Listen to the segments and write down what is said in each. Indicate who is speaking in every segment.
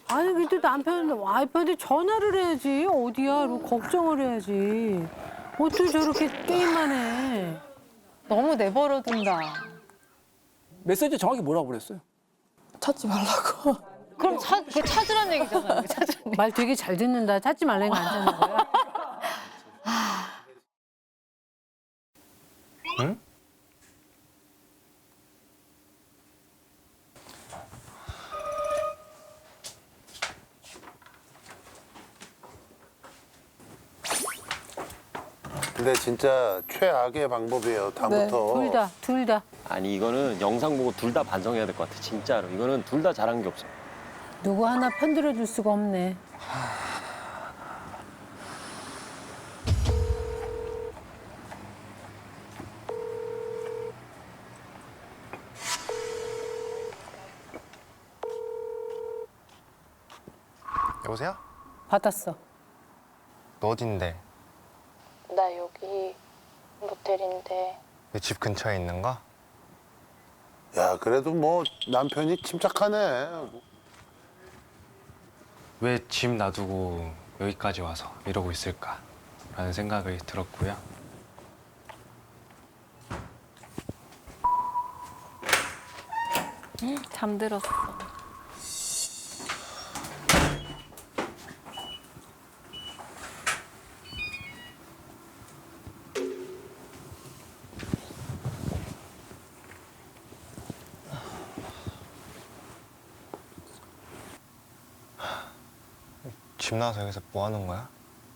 Speaker 1: 아니 그래도 남편 와이프한테 전화를 해야지 어디야 이러고 걱정을 해야지 어떻게 저렇게 게임만 해.
Speaker 2: 너무 내버려둔다.
Speaker 3: 메시지 정확히 뭐라고 그랬어요?
Speaker 4: 찾지 말라고.
Speaker 2: 그럼 그거 찾으란 얘기잖아요. 찾으란 얘기.
Speaker 1: 말 되게 잘 듣는다. 찾지 말라니까 안 찾는 거야.
Speaker 5: 응?
Speaker 6: 근데 진짜 최악의 방법이에요. 다음부터.
Speaker 1: 둘 다.
Speaker 7: 아니 이거는 영상 보고 둘 다 반성해야 될 것 같아 진짜로. 이거는 둘 다 잘한 게 없어.
Speaker 1: 누구 하나 편들어 줄 수가 없네.
Speaker 5: 여보세요?
Speaker 1: 받았어.
Speaker 5: 너 어딘데?
Speaker 8: 나 여기 모텔인데.
Speaker 5: 내 집 근처에 있는 거?
Speaker 6: 야, 그래도 뭐 남편이 침착하네.
Speaker 5: 왜 집 놔두고 여기까지 와서 이러고 있을까? 라는 생각이 들었고요.
Speaker 2: 잠들었어.
Speaker 5: 집 나와서 여기서 뭐 하는 거야?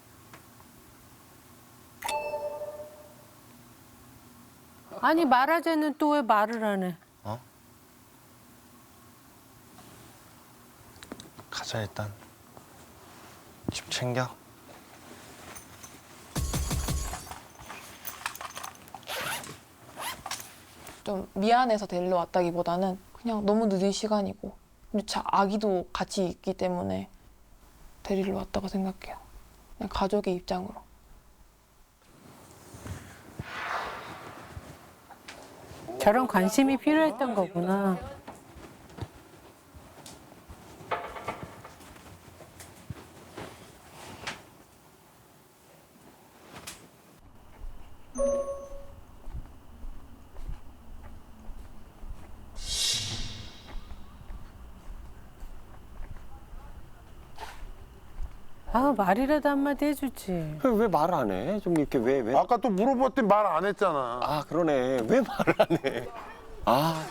Speaker 1: 아니 말하자는 또 왜 말을 안 해?
Speaker 5: 가자 일단. 집 챙겨.
Speaker 4: 좀 미안해서 데리러 왔다기보다는 그냥 너무 늦은 시간이고 아기도 같이 있기 때문에 데리러 왔다고 생각해요. 그냥 가족의 입장으로.
Speaker 1: 저런 관심이 필요했던 거구나. 아 말이라도 한마디 해주지.
Speaker 7: 왜 말을 안 해? 좀 이렇게 왜?
Speaker 6: 아까 또 물어봤더니 말 안 했잖아.
Speaker 7: 아 그러네. 왜 말을 안 해? 아.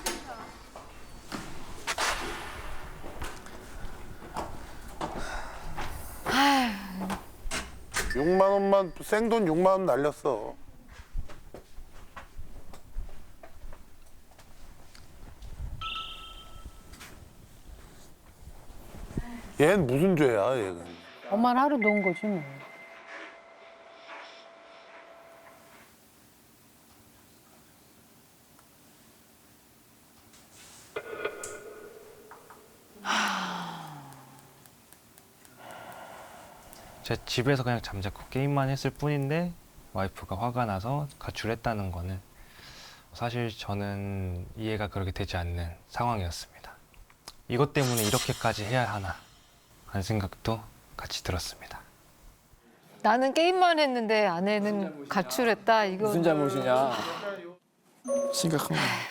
Speaker 6: 6만 원만 생돈 6만 원 날렸어. 얘는 무슨 죄야, 얘는.
Speaker 1: 엄마는 하루 놓은 거지 뭐.
Speaker 5: 제 집에서 그냥 잠자코 게임만 했을 뿐인데 와이프가 화가 나서 가출했다는 거는 사실 저는 이해가 그렇게 되지 않는 상황이었습니다. 이것 때문에 이렇게까지 해야 하나 하는 생각도 같이 들었습니다.
Speaker 2: 나는 게임만 했는데 아내는 가출했다. 이거
Speaker 3: 무슨 잘못이냐?
Speaker 9: 심각한 거야.